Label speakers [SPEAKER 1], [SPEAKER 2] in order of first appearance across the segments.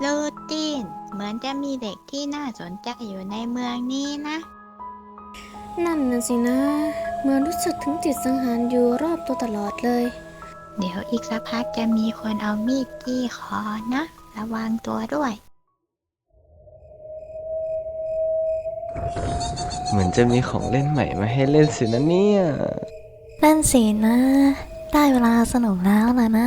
[SPEAKER 1] ลูตินเหมือนจะมีเด็กที่น่าสนใจอยู่ในเมืองนี้นะ
[SPEAKER 2] นั่นน่ะสินะเหมือนรู้สึกถึงจิตสังหารอยู่รอบตัวตลอดเลย
[SPEAKER 1] เดี๋ยวอีกสักพักจะมีคนเอามีดจี้คอนะ ระวังตัวด้วย
[SPEAKER 3] เหมือนจะมีของเล่นใหม่มาให้เล่นสินะเนี่ย
[SPEAKER 4] นั่นสินะ ได้เวลาสนุกแล้วล่ะนะ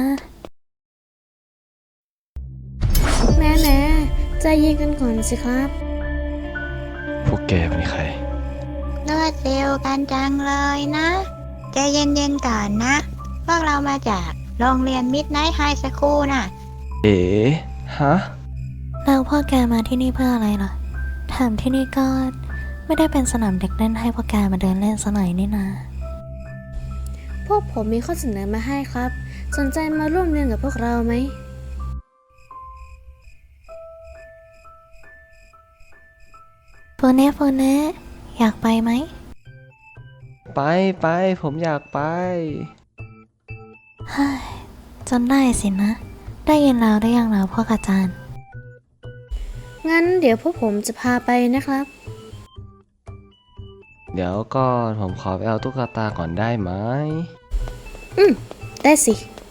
[SPEAKER 2] แม่ใจเย็นกันก่อนสิครับ
[SPEAKER 3] พวกแกเป็นใคร
[SPEAKER 1] รวดเร็วกันจังเลยนะใจเย็นๆก่อนนะ พวกเรามาจากโรงเรียนมิดไนท์ไฮสคูลน่ะ
[SPEAKER 3] เอ๋ฮะ
[SPEAKER 4] แล้วพ่อแกมาที่นี่เพื่ออะไรล่ะแถมที่นี่ก็ไม่ได้เป็นสนามเด็กเล่นให้พ่อแกมาเดินเล่นสหน่อยนี่นา
[SPEAKER 2] พวกผมมีข้อเสนอมาให้ครับ สนใจมาร่วมเรียนกับพวกเราไหม
[SPEAKER 4] โฟเน่อยากไปไหม
[SPEAKER 3] ไปผมอยากไป
[SPEAKER 4] ฮ่ายจนได้สินะ ได้ยินแล้วได้ยังแล้วพ่อกอาจารย์
[SPEAKER 2] งั้นเดี๋ยวพวกผมจะพาไปนะครับ
[SPEAKER 3] เดี๋ยวก่อนผมขอไปเอาตุ๊กตาก่อนได้ไหม
[SPEAKER 2] ได้สิ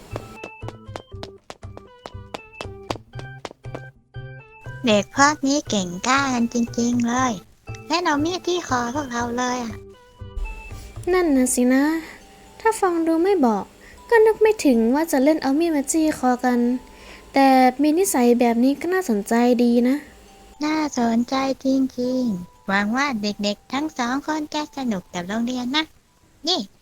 [SPEAKER 1] เด็กพวกนี้เก่งกล้ากันจริงๆเลย และเอามีดที่คอพวกเราเลยอ่ะ
[SPEAKER 2] นั่นนะสินะ ถ้าฟังดูไม่บอกก็นึกไม่ถึงว่าจะเล่นเอามีดมาจี้คอกัน แต่มีนิสัยแบบนี้ก็น่าสนใจดีนะ
[SPEAKER 1] น่าสนใจจริงๆ หวังว่าเด็กๆทั้งสองคนจะสนุกกับโรงเรียนนะ นี่